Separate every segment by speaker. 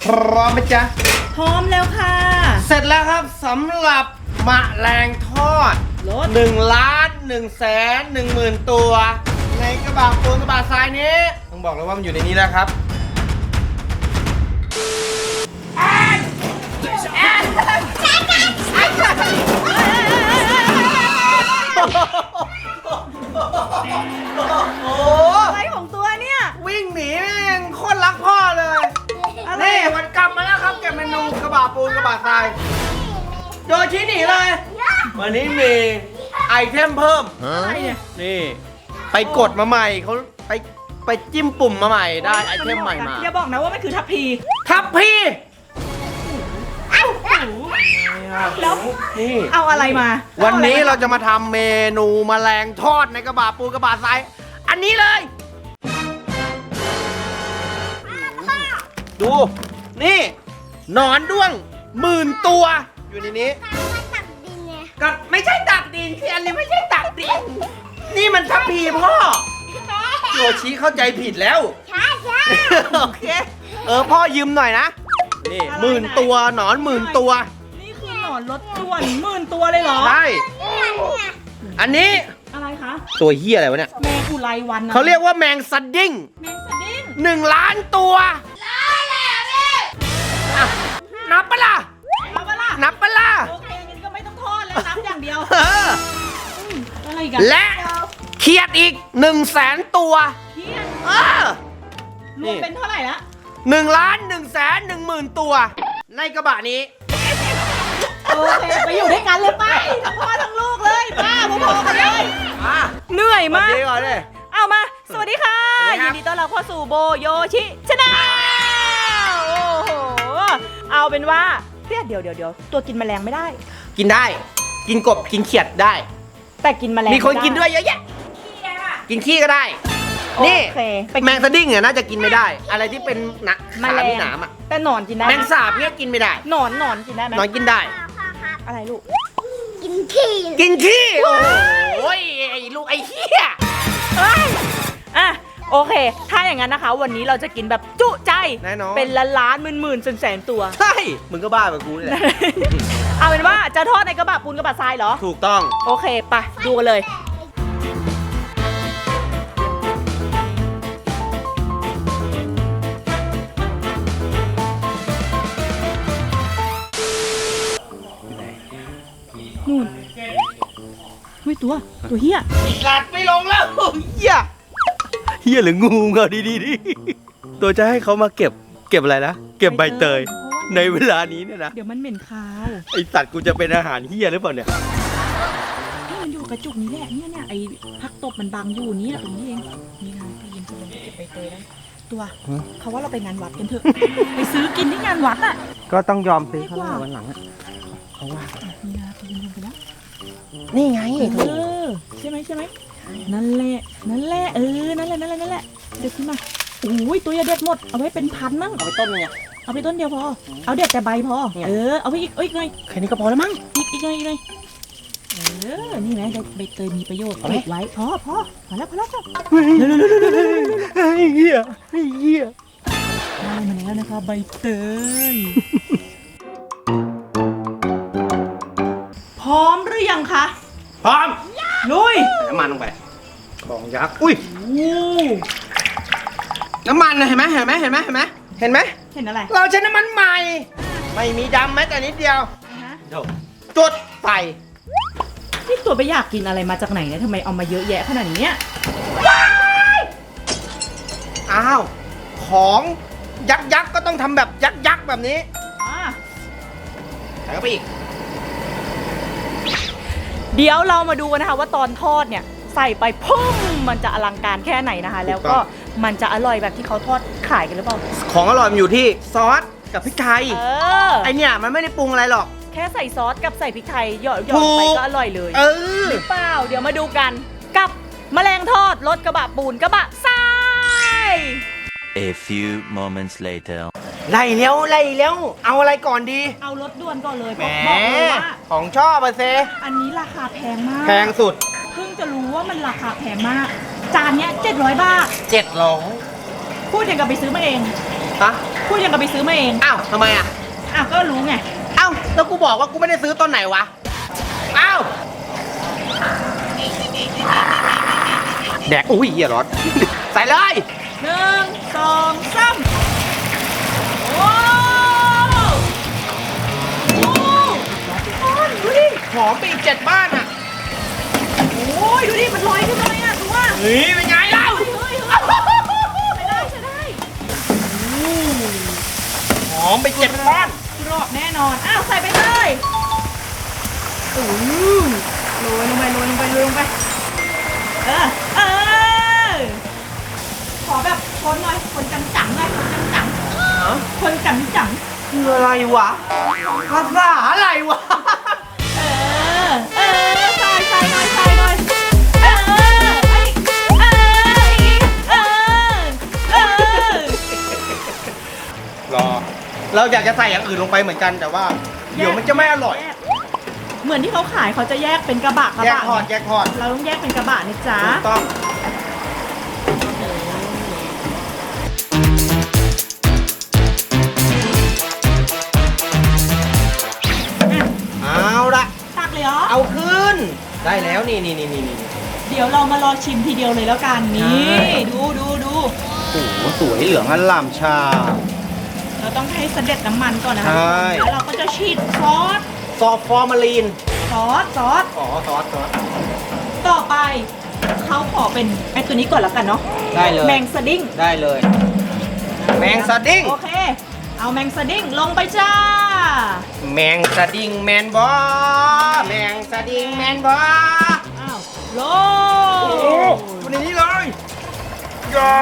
Speaker 1: พร้อมไหมจ๊ะ
Speaker 2: พร้อมแล้วค่ะ
Speaker 1: เสร็จแล้วครับสำหรับแมลงทอด
Speaker 2: รถ
Speaker 1: 1,110,000 ตัวในกระบะปูนกระบะทรายนี้ต้องบอกเลยว่ามันอยู่ในนี้แล้วครับโอ้
Speaker 2: อะไรของตัวเนี่ย
Speaker 1: วิ่งหนีแม่งโคตรรักพ่อเลยนี่วันกลับมาแล้วครับแกเมนูกระบะปูนกระบะทรายโยชิหนีเลยวันนี้มีไอเทมเพิ่ม
Speaker 2: อะไรเนี่ย
Speaker 1: นี่ไปกดมาใหม่เขาไปจิ้มปุ่มมาใหม่ได้ไอเทมใหม่มา
Speaker 2: อย่าบอกนะว่ามันคือทัพพีแล้ว
Speaker 1: นี่
Speaker 2: เอาอะไรมา
Speaker 1: วันนี้เราจะมาทำเมนูแมลงทอดในกระบะปูกระบะทรายอันนี้เลยดูนี่หนอนด้วง10,000 ตัวอยู่ในนี้ก็ไม่ใช่ตักดินคืออันนี้ไม่ใช่ตักดินนี่มันทัพพีพ่อโยชิเข้าใจผิดแล้วใช่โอเคพ่อยืมหน่อยนะนี่10,000 ตัวหนอน10,000 ตัว
Speaker 2: นี่คือหนอนรถด่วน10,000 ตัวเลยเหรอ
Speaker 1: ใช่อันนี้
Speaker 2: อะไรคะ
Speaker 1: ตัวเหี้ยอะไรวะเนี่ย
Speaker 2: แมงอุไรวัน
Speaker 1: เขาเรียกว่าแมงสดิ้ง1,000,000 ตัวนับปะล่ะนับปะล่ะ
Speaker 2: โอเคงั้นก็ไม่ต้องทอดแล้วนับอย่างเดียวอะไรกัน
Speaker 1: และเขียดอีก100,000 ตัว
Speaker 2: เขียดรวมเป็นเท่าไหร่ละ
Speaker 1: 1,110,000 ตัวในกระบะนี้
Speaker 2: โอเคไปอยู่ด้วยกันเลยไปทั้งพ่อทั้งลูกเลยป้าพอๆกันเลยเหนื่อยมากเอามาสวัสดีค่ะยินดีต้อนรับเข้าสู่โบโยชิชาแนลโอ้โหเอาเป็นว่าเดี๋ยวตัวกินแมลงไม่ได้
Speaker 1: กินได้กินกบกินเขียดได้
Speaker 2: แต่กินแมลง
Speaker 1: มีคนกินด้วยเยอะแยะกินขี้ก็ได้นี่แมงสดิ้งเนี่ยน่าจะกินไม่ได้อะไรที่เป็นหนักขามีหนามอ่ะ
Speaker 2: แต่หนอนกินได้
Speaker 1: แมงสาบเนี่ยกินไม่ได้
Speaker 2: หนอนกินได้ไหม
Speaker 1: หนอนกินได้
Speaker 2: อะไรลูก
Speaker 1: กินขี้โอ้ยไอ้ลูกไอ้เหี้ย
Speaker 2: อ่ะโอเคถ้าอย่างนั้นนะคะวันนี้เราจะกินแบบจุใจ
Speaker 1: แน่นอน
Speaker 2: เป็นล้านหมื่นแสนตัว
Speaker 1: ใช่มึงก็บ้าแบบกูนี่แหละ
Speaker 2: เอาเป็นว่าจะทอดในกระบะปูนกระบะทรายเหรอ
Speaker 1: ถูกต้อง
Speaker 2: โอเคไปดูกันเลยนู่นไม่ตัวเฮีย
Speaker 1: หลัดไม่ลงแล้วเฮียหรืองูเงาดีตัวจะให้เขามาเก็บอะไรนะเก็บใบเตยในเวลานี้เนี่ยนะ
Speaker 2: เดี๋ยวมันเหม็นคาว
Speaker 1: ไอสัตว์กูจะเป็นอาหารเฮียหรือเปล่าเนี่ย
Speaker 2: นี่มันอยู่กระจุกนี้แหละเนี่ยไอพักตบมันบังอยู่นี่ตรงนี้เองนี่นะพี่ยิมจะเก็บใบเตยได้ตัวเขาว่าเราไปงานวัดกันเถอะไปซื้อกินที่งานวัดอ่ะ
Speaker 1: ก็ต้องยอมซื้อเขาแล้ววันหลังอ่ะเขาว่า
Speaker 2: นี่นะพี่ยิมไปแล้ว
Speaker 1: นี่ไง
Speaker 2: ใช่ไหมนั่นแหละนั่นแหละเด็ดขึ้นมาโอ้ยตัวอย่าเด็ดหมดเอาไว้เป็นพันมั้ง
Speaker 1: เอาไปต้นนึงไง
Speaker 2: เอาไปต้นเดียวพอเอาเด็ดแต่ใบพอเอาไปอีกหน่อย
Speaker 1: แค่นี้ก็พอแล้วมั้ง
Speaker 2: อีกหน่อยนี่นะใบเตยมีประโยชน์เก็บไว้พอแล้วจ้ะ
Speaker 1: ไอ้เหี้ย
Speaker 2: ได้มาแล้วนะคะใบเตยพร้อมหรือยังคะ
Speaker 1: พร้อม
Speaker 2: ลุย
Speaker 1: น้ำมันลงไปของยักษ์อุ้ยน้ำมันเห็นไหมเห็นอะไรเราใช้น้ำมันใหม่ไม่มีดำแม้แต่นิดเดียวจุดไฟ
Speaker 2: นี่ตัวไปอยากกินอะไรมาจากไหนเนี่ยทำไมเอามาเยอะแยะขนาดนี้เนี่ย
Speaker 1: อ้าวของยักษ์ก็ต้องทำแบบยักษ์แบบนี้ใส่เข้าไปอีก
Speaker 2: เดี๋ยวเรามาดูกันนะคะว่าตอนทอดเนี่ยใส่ไปพุ่งมันจะอลังการแค่ไหนนะคะแล้วก็มันจะอร่อยแบบที่เขาทอดขายกันหรือเปล่า
Speaker 1: ของอร่อยมันอยู่ที่ซอสกับพริกไทยไอเนี่ยมันไม่ได้ปรุงอะไรหรอก
Speaker 2: แค่ใส่ซอสกับใส่พริกไทยหยอดไปก็อร่อยเลยหรือเปล่าเดี๋ยวมาดูกันกับแมลงทอดรสกระบะปูนกระบะทราย
Speaker 3: A few moments later
Speaker 1: ไล่เร็วเอาอะไรก่อนดี
Speaker 2: เอารสด่วนก่อนเลย
Speaker 1: บอกเลยว่าของชอบเซ
Speaker 2: อันนี้ราคาแพงมาก
Speaker 1: แพงสุด
Speaker 2: เพิ่งจะรู้ว่ามันราคาแพงมากจานเนี้ย700 บาท
Speaker 1: 700
Speaker 2: พูดอย่างกับไปซื้อมาเอง
Speaker 1: ฮะ
Speaker 2: พูดยังกับไปซื้อมาเอง
Speaker 1: อ้าวทำไมอ่ะ
Speaker 2: อ้าวก็รู้ไง
Speaker 1: อ้าวแล้วกูบอกว่ากูไม่ได้ซื้อตอนไหนวะอ้าวแดกอุ้ยเหี้ยร้อน ใส่เลย
Speaker 2: 1 2 3โอ้โหดูดิ
Speaker 1: หอมไปอีก7 บ้านอ่ะ
Speaker 2: โอ้ยดูดิมันลอยขึ้นมาเลยอ่ะดูว่า
Speaker 1: เฮ้ยเป็นไงเล่า
Speaker 2: เฮ้ยใช้ได้
Speaker 1: หอมไป7 บ้าน
Speaker 2: กรอบแน่นอนอ้าวใส่ไปเลยโอ้ยโรยลงไปเออขอแบบคนหน่อยคนจังๆหน่อยคนจัง
Speaker 1: คืออะไรวะภาษาอะไรวะ
Speaker 2: เออใส่หน่อยเออ
Speaker 1: รอ เราอยากจะใส่อย่างอื่นลงไปเหมือนกันแต่ว่า เดี๋ยวมันจะไม่อร่อย
Speaker 2: เหมือนที่เขาขายเขาจะแยกเป็นกระบะ
Speaker 1: แยกทอด
Speaker 2: เราต้องแยกเป็นกระบะนะจ๊ะ
Speaker 1: ถูกต้องเอาละ
Speaker 2: ตักเลยเหรอ
Speaker 1: เอาขึ้น ได้แล้วนี่
Speaker 2: เดี๋ยวเรามารอชิมทีเดียวเลยแล้วกันนี่
Speaker 1: ใช่
Speaker 2: ดู
Speaker 1: โอ้โหสวยเหลืองอล่ามชา
Speaker 2: เราต้องให้เสด็จน้ำมันก่อนนะ
Speaker 1: ใช่
Speaker 2: แล้วเราก็จะฉีดซอส
Speaker 1: ซอสฟอร์มาลีน
Speaker 2: อ๋อซอส
Speaker 1: ซอส
Speaker 2: ต่อไปเขาขอเป็นไอตัวนี้ก่อนแล้วกันเนาะ
Speaker 1: ได้เลย
Speaker 2: แมงสดิ้ง
Speaker 1: ได้เลย แมงสดิ้ง
Speaker 2: โอเค เอาแมงสดิ้งลงไปจ้า
Speaker 1: แมงสดิ้งแมนบอแมงสดิ้งแมนบอ
Speaker 2: อ้าวโล
Speaker 1: อยู่ในนี้เลยยา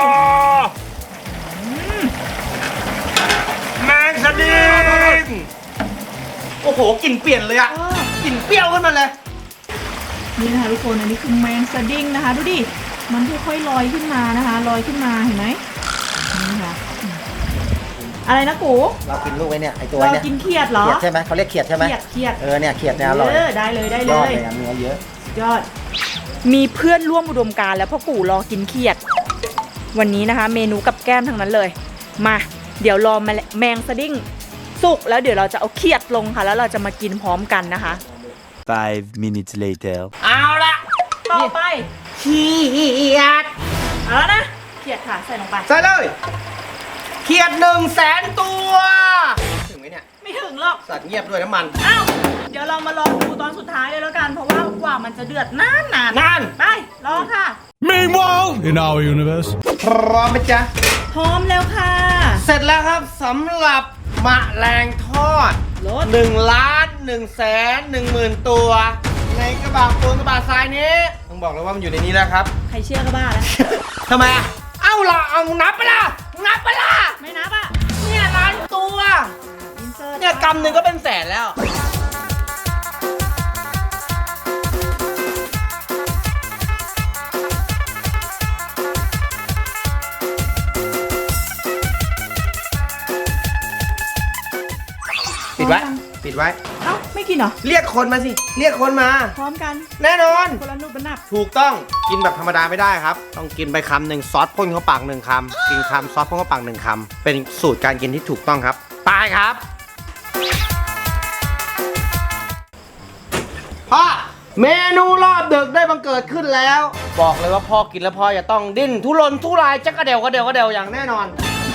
Speaker 1: แมงสดิ้งโอ้โหกลิ่นเปลี่ยนเลยอะกลิ่นเปรี้ยวขึ้นมาเลย
Speaker 2: นี่นะคะทุกคนอันนี้คือแมงสดิ้งนะคะดูดิมันค่อยๆลอยขึ้นมานะคะลอยขึ้นมาเห็นไหมนี่ค่ะอะไรนะกู
Speaker 4: เรากินลูกไอ้เนี่ยไอ้ตัว
Speaker 2: เรา
Speaker 4: เนี่ย
Speaker 2: กินเขียดเหรอ
Speaker 4: เขียดใช่ไหมเขาเรียกเขียดใช่ไหม
Speaker 2: เขียด
Speaker 4: เนี่ยเขียดเนี่ยอร่อย
Speaker 2: ได้เลย
Speaker 4: ยอดเลยอะเนื้อเยอะ
Speaker 2: ยอด มีเพื่อนร่วมอุดมการณ์แล้วพ่อกูรอกินเขียด วันนี้นะคะ เมนูกับแก้มทั้งนั้นเลย มาเดี๋ยวรอแมงสดิ้งสุกแล้วเดี๋ยวเราจะเอาเขียดลงค่ะ แล้วเราจะมากินพร้อมกันนะคะ
Speaker 3: 5 minutes later.
Speaker 1: เอาละ
Speaker 2: ต่อไป
Speaker 1: เขียด
Speaker 2: เอาแล้วนะเขียดค่ะใส่ลงไป
Speaker 1: ใส่เลยเขียด100,000 ตัว ถึงไหมเนี่ย
Speaker 2: ไม่ถึงหรอก
Speaker 1: สัตว์เงียบด้วยน้ำมัน
Speaker 2: อ้าวเดี๋ยวเรามารอดูตอนสุดท้ายเลยแล้วกัน เพราะว่ากว่ามันจะเดือดนาน
Speaker 1: นาน
Speaker 2: ไปรอค่ะ
Speaker 5: Meanwhile, in our universe.
Speaker 1: พร้อมไหมจ๊ะ
Speaker 2: พร้อมแล้วค่ะ
Speaker 1: เสร็จแล้วครับสำหรับมะแรงทอด
Speaker 2: รส
Speaker 1: 1,110,000 ตัว ในกระบะปูนกระบะทรายนี้ต้องบอกเลยว่ามันอยู่ในนี้แล้วครับ
Speaker 2: ใครเชื่อก็บ้าแล้ว
Speaker 1: ทำไมอ่ะเอ้าล่ะเอานับไปละนับไปละ
Speaker 2: ไม่นับอ่ะ
Speaker 1: เนี่ย1,000,000 ตัว
Speaker 2: อินเสิร์ต
Speaker 1: เนี่ยกำหนึ่งก็เป็นแสนแล้ว ปิดไว้ ปิดไว้
Speaker 2: เอ้าไม่กินเหรอ
Speaker 1: เรียกคนมาสิ เรียกคนมา
Speaker 2: พร้อมกัน
Speaker 1: แน่นอน
Speaker 2: คนละนุบเป็นหนับ
Speaker 1: ถูกต้อง กินแบบธรรมดาไม่ได้ครับ ต้องกินไปคำหนึ่งซอสพ่นเข้าปาก1 คำ กินคำซอสพ่นเข้าปาก1 คำ เป็นสูตรการกินที่ถูกต้องครับ ไปครับ พ่อ เมนูรอบดึกได้บังเกิดขึ้นแล้ว บอกเลยว่าพ่อกินแล้วพ่อจะต้องดิ้นทุรนทุรายจักกระเดวอย่างแน่นอน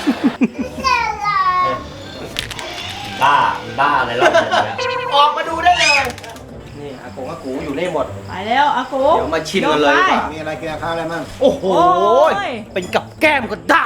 Speaker 4: บ้าอะไรรอบเนี่ย
Speaker 1: ออกมาดูได้เลย นี่อากงอากูอยู่นี่หมด
Speaker 2: ไปแล้วอากู
Speaker 1: เดี๋ยวมาชิมกันเลยดีกว่า
Speaker 4: มีอะไรกินกับข้าวอะไรมั่ง
Speaker 1: โอ้โห
Speaker 2: โอ้ย
Speaker 1: เป็นกับแก้มก็ได้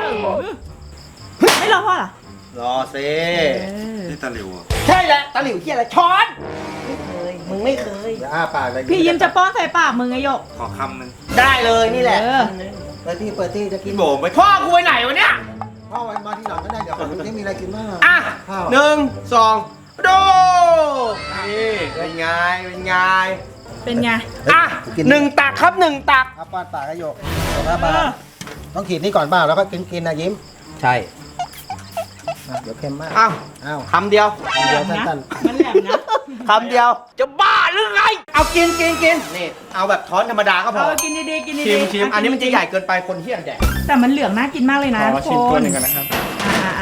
Speaker 2: ไม่รอพ่อเหรอ
Speaker 1: รอสิ
Speaker 5: นี่ตะหลิวอ่ะ
Speaker 1: ใช่แหละตะหลิวเฮียอะไรช้อนมึงไม่เคย
Speaker 4: อย่าอ้าปากเลย
Speaker 2: พี่ยิ้มจะป้อนใส่ปากมึงไงโยก
Speaker 5: ขอคำหนึ่ง
Speaker 1: ได้เลยนี่แหละ
Speaker 2: เออ
Speaker 4: เปิดที่จะกิน
Speaker 5: พี่โบไม่
Speaker 1: พ่อกูไปไหนวะเนี่ย
Speaker 4: พ่อไว้มาที่หลังก็ได้เดี๋ยวผมจะมีอะไรกินบ้าง
Speaker 1: อ่ะ
Speaker 4: ข้าว
Speaker 1: 1 2 ดูนี่เป็นไงเป็นไง
Speaker 2: เป็นไง
Speaker 1: อ่ะ1 ตักครับ1 ตัก
Speaker 4: เอาป้อนปากกระโยกแต่ว่าปลาต้องขีดนี่ก่อนบ้าแล้วก็กินนะยิ้ม
Speaker 1: ใช่
Speaker 4: เดี๋ยวเค็มมาก
Speaker 1: อ้าว
Speaker 4: อ้าว
Speaker 1: คำเดียว
Speaker 4: เดี๋ยว
Speaker 2: นะ
Speaker 4: สั้น
Speaker 2: มันแหลมนะ
Speaker 1: คำเดียวจะบ้าหรือไงเอากินนี่เอาแบบช้อนธรรมดาก็พ
Speaker 2: เอ
Speaker 1: อ
Speaker 2: อกินดีๆกินดี
Speaker 1: ชิมอันนี้มันจะใหญ่เกินไปคนเที่ยงแดก
Speaker 2: แต่มันเหลืองน่ากินมากเลยนะ
Speaker 5: ขอชิม
Speaker 2: ทุก
Speaker 5: ตัว
Speaker 2: คน
Speaker 5: หนึ่งกันนะครับ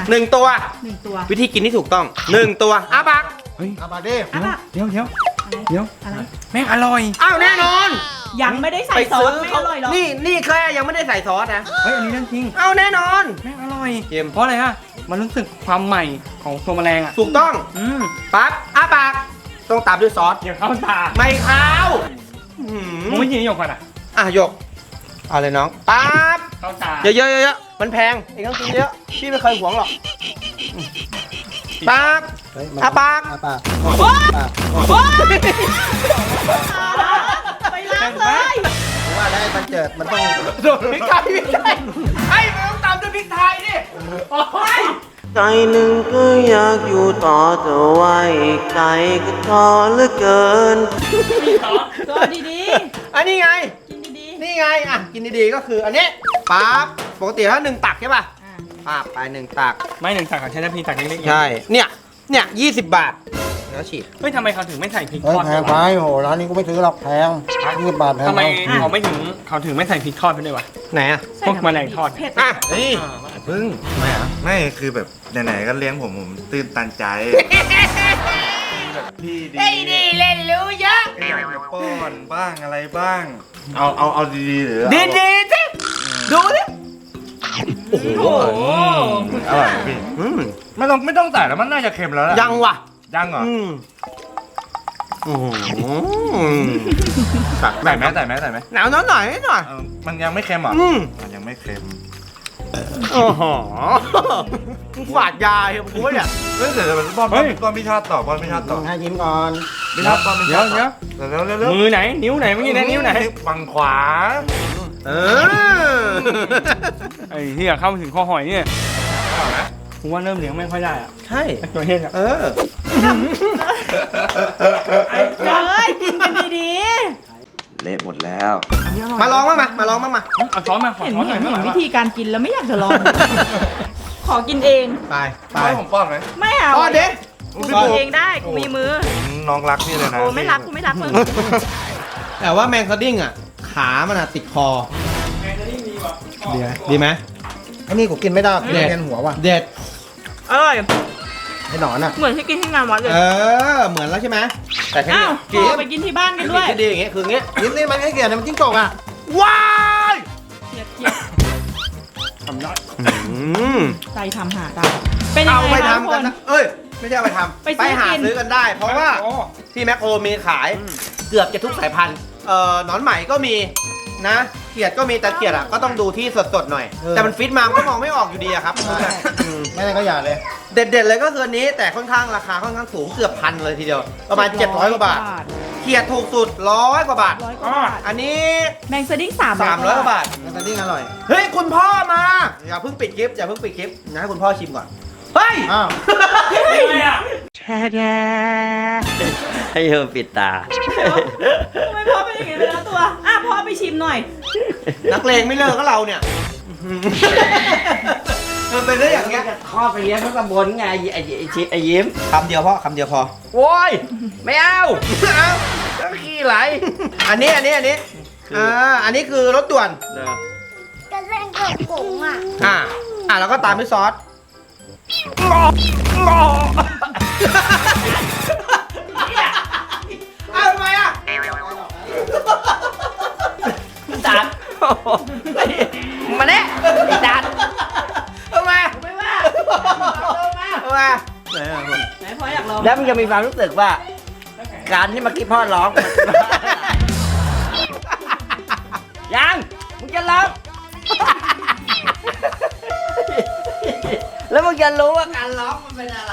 Speaker 1: 1 ตัว
Speaker 2: 1 ตัว
Speaker 1: วิธีกินที่ถูกต้อง 1 ตัวอ้าปาก
Speaker 4: เอามาดิ
Speaker 2: อ่ะปะ
Speaker 5: เดี๋ยว
Speaker 2: อะไร
Speaker 5: แม่งอร่อย
Speaker 1: อ้าวแน่นอน
Speaker 2: ยังไม่ได้ใส่ซอสไม่อร่อยหรอก
Speaker 1: นี่แค่ยังไม่ได้ใส่ซอสนะ
Speaker 5: เฮ้ยอันนี้เรื่องจริง
Speaker 1: เอาแน่นอน
Speaker 5: แม่งอร่อย
Speaker 1: เค็ม
Speaker 5: เพราะอะไรฮะมันรู้สึกความใหม่ของตัวแมลงอ่ะ
Speaker 1: ถูกต้อง ปั๊บอ้าปากต้องตามด้วยซอส
Speaker 5: อย่าเข้าตา
Speaker 1: ไม่ข้าว
Speaker 5: มึงไม่กินนี่หยกก่อนอ่ะ
Speaker 1: หยกเอาเลยน้องปั๊บ
Speaker 5: เข้าตา
Speaker 1: เยอะๆมันแพงเองต้องกินเยอะพี่ไม่เคยหวงหรอกปั๊บ
Speaker 4: เฮ้ยมัน
Speaker 1: อ้าปาก
Speaker 4: อ้าปาก
Speaker 2: ไปล้างเลย
Speaker 4: ผมว่าได้มันเจิดมันต้อง
Speaker 1: พริกไทยไอ้ไม่ต้องตามด้วยพริกไทยดิโอ้ย
Speaker 6: ใจหนึ่งก็อยากอยู่ต่อแต่ว่าอีกใจก็ท้อเหลือเกิน
Speaker 2: ก็ดี
Speaker 1: อันนี้ไง
Speaker 2: ๆกินดี
Speaker 1: นี่ไงกินดีๆก็คืออันนี้ปั๊บปกติถ้า1 ตักใช่ป่ะ
Speaker 2: ๆ
Speaker 1: ปั๊บไป1 ตัก
Speaker 5: ไม่1 ตักของใช้น้ำพริกตักเล็กๆ
Speaker 1: ใช่เนี่ย20 บาทแล้วฉีด
Speaker 5: เฮ้ยทำไมเขาถึงไม่ใส่พริก
Speaker 4: เฮ้
Speaker 5: ท
Speaker 4: ย
Speaker 5: อด
Speaker 4: แพงไปโอ้โหร้านนี้กูไม่ซื้อหรอกแพง20 บาทแพง
Speaker 5: ทำไม
Speaker 4: ไป
Speaker 5: เขาถึงไม่ใส่พริกทอดไปด้วยวะ
Speaker 1: ไหนอ่ะ
Speaker 5: พวกแมลงทอด
Speaker 2: เผ็ด
Speaker 1: นี่
Speaker 7: พึ่งไม่อะไม่คือแบบไหนๆก็เลี้ยงผมตื่นตันใจแบบพี่ดี
Speaker 1: ได้ดีเล่นรู้เยอะ
Speaker 7: ก็อยากจะป้อนบ้างอะไรบ้าง เอาดีๆหรือเอา
Speaker 1: ดีสิดูดิโอ้โห
Speaker 7: อร่อยไหมพี่ไม่ต้องใส่แล้วมันน่าจะเค็มแล้วแหละ
Speaker 1: ยังว่ะ
Speaker 7: ยังเหรอ
Speaker 1: ตัก
Speaker 7: ใส่ไหมใส่ไหม
Speaker 1: หนาวหน่อยหน่อย
Speaker 7: มันยังไม่เค็มเหรอ
Speaker 1: อืม
Speaker 7: มันยังไม่เค็ม
Speaker 1: โอ้โหมึงฝาดยาเหรอกูวะเนี่ย
Speaker 7: เฮ้ยเดี๋ยวป้อนพี่ชาติต่อป้อนพี่ชาติต่อ
Speaker 4: ให้ยิ้มก่อน
Speaker 7: พี่ชาติป้อนพี่ชาติต่อเร็ว
Speaker 5: มือไหน นิ้วไหนเมื่อกี้นะนิ้วไหน
Speaker 7: ฝั่งขวา
Speaker 1: เออ
Speaker 5: ไอ้ที่เข้ามาถึงคอหอยเนี่ยผมว่าเริ่มเลี้ยงไม่ค่อยได้อะ
Speaker 1: ใช่
Speaker 5: ตัวเฮงอะ
Speaker 1: เออ
Speaker 2: เฮ้ยกินกันดี
Speaker 6: เละหมดแล้ว
Speaker 1: มาลองบ้างมาลองบ้างมา
Speaker 5: เอาช้อนมาข
Speaker 2: ๆ
Speaker 5: อ
Speaker 2: เห็น
Speaker 5: ช้อนหน่
Speaker 2: เห็
Speaker 5: อย
Speaker 2: น
Speaker 5: ไม่ไหว
Speaker 2: วิ
Speaker 5: วะ
Speaker 2: ธีการกินแล้วไม่อยากจะลอง ขอกินเอง
Speaker 1: ไป
Speaker 7: ให้ผมป้อนไหม
Speaker 2: ไม่เอา
Speaker 1: ป้อนดิ
Speaker 2: กูกินเองได้กูมีมือ
Speaker 7: น้องรักพี่เลยนะ
Speaker 2: โอ้ไม่รักกูไม่รักมึง
Speaker 1: แต่ว่าแมงสดิ้งอ่ะ ขามันอ่ะติดคอดีไหม
Speaker 4: ไอ้นี่กูกินไม่ได้กินเรียนหัวว่ะ
Speaker 1: เด็ด
Speaker 2: อร่อย
Speaker 4: ไอ้หนอนอ่ะ
Speaker 2: เหมือนที่กินที่งานวัดเลย
Speaker 1: เหมือนแล้วใช่ไหมแต่แค่
Speaker 2: อ้า
Speaker 1: นี้
Speaker 2: วพอไปกินที่บ้านกันด้วย
Speaker 1: ที่ดีอย่างเงี้ยคืออย่างเงี้ย
Speaker 4: ยิ้มนี่มันให้เกียรติมันจิ้งจกอ่ะ
Speaker 1: ว้าย
Speaker 2: เกลียดเกลียด
Speaker 5: ทำได้
Speaker 2: ใจทำหาได้เป็นยัง
Speaker 1: เอา
Speaker 2: ไง
Speaker 1: ไป
Speaker 2: คะทุก
Speaker 1: ทำ
Speaker 2: ค
Speaker 1: กัน
Speaker 2: น
Speaker 1: นะเอ้ยไม่ใช่เอาไปทำ
Speaker 2: ไปซื้อ
Speaker 1: หา
Speaker 2: กิน
Speaker 1: ซื้อกันได้ เพราะว่าที่แมคโครมีขายเกือบจะทุกสายพันธุ์หนอนไหมก็มีนะเขียดก็มีแต่เขียดอ่ะก็ต้องดูที่สดๆหน่อย แต่มันฟิตมามันก็มองไม่ออกอยู่ดีอะครับ
Speaker 4: ไม่ได้ก็อย่าเลย
Speaker 1: เด็ดๆเลยก็คืออันนี้แต่ค่อนข้างราคาค่อนข้างสูงเกือบพันเลยทีเดียวประมาณ700กว่าบาทเขียดถูกสุด100 กว่าบาท
Speaker 2: 100 กว่าบาท
Speaker 1: อันนี้
Speaker 2: แมงสดิ้ง
Speaker 1: 300 กว่าบาท
Speaker 4: มันจะดิ้งอร่อย
Speaker 1: เฮ้ยคุณพ่อมาอย่าเพิ่งปิดคลิปอย่าเพิ่งปิดคลิปนะให้คุณพ่อชิมก่อนเฮ้ย
Speaker 4: อ้าว
Speaker 6: ให้เธอปิดตา
Speaker 2: ทำไมพ่อเป็นอย่างนี้ไปแล้วตัวพ่อไปชิมหน่อย
Speaker 1: นักเลงไม่เลิกก็เราเนี่ยมันเป็นได้อย่างเงี้ย
Speaker 6: ข้อไปเลี้ยงทั้งตำบลไงไอ้ชิดไอ้ยิ้ม
Speaker 1: คำเดียวพ่อคำเดียวพอ
Speaker 6: โว้ย ไม่เอา
Speaker 1: เอา
Speaker 6: ก็ขี้ไหล
Speaker 1: อันนี้อันนี้คือรสด่วน
Speaker 8: ก็เล่นกับกงอ่ะ
Speaker 1: แล้วก็ตามด้วยซอสเอาทำไมอ่ะ
Speaker 6: จัดมาเนี่ยไอ้จัด
Speaker 1: ทำไมไม่ว่าทำไม
Speaker 2: ไหนพ่ออยากลอง
Speaker 6: แล้วมึงจะมีความรู้สึกว่า การที่เมื่อกี้พ่อร้อง ยังมึงจะร้อง แล้วมึงจะรู้ว่าการร้องมันเป็นอะไร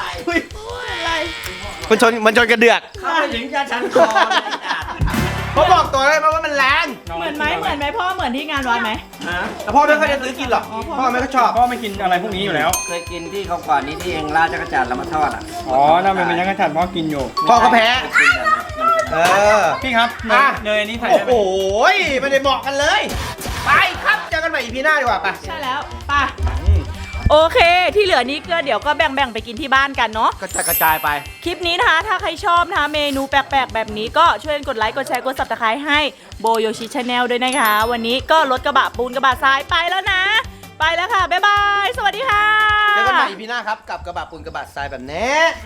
Speaker 1: มันชนกระเดือก
Speaker 6: เข้าไปถึงจะชันคอเลยจัด
Speaker 1: เขาบอกตัวได้ไหมว่ามันแรง
Speaker 2: เหมือนไหมพ่อเหมือนที่งานวัดไหม
Speaker 1: แต่พ่อไม่ค่อยจะซื้อกินหรอกพ่อไม่ค่อยชอบ
Speaker 5: พ่อไม่กินอะไรพวกนี้อยู่แล้ว
Speaker 6: เคยกินที่เขาก่อนนี้ที่เองราดจักรจันทร์แล้วมาทอดอ่ะ
Speaker 5: อ๋อน่าเป็นยังกระจัดพ่อกินอยู่
Speaker 1: พ่อก็แพ้
Speaker 6: กินแบบนั้น
Speaker 5: พี่ครับ
Speaker 1: อ่ะ
Speaker 5: เนยอันนี้ใส่
Speaker 1: โอ้
Speaker 5: ได้ไห
Speaker 1: โห
Speaker 5: ม
Speaker 1: ไม่ได้เหมาะกันเลย ไปครับเจอกันใหม่อีพีหน้าดีกว่าไป
Speaker 2: ใช่แล้วไป่ะโอเค ที่เหลือนี้ก็เดี๋ยวก็แบ่งๆไปกินที่บ้านกันเนาะ
Speaker 1: กระจายไป
Speaker 2: คลิปนี้นะคะ ถ้าใครชอบนะคะเมนูแปลกๆ แบบนี้ก็ช่วยกดไลค์ กดแชร์ กด subscribe ให้โบโยชิชาแนลด้วยนะคะ วันนี้ก็รถกระบะปูนกระบะทรายไปแล้วนะไปแล้วค่ะ บ๊ายบาย สวัสดีค่ะ
Speaker 1: เจอกันใหม่พี่หน้าครับกับกระบะปูนกระบะทรายแบบนี้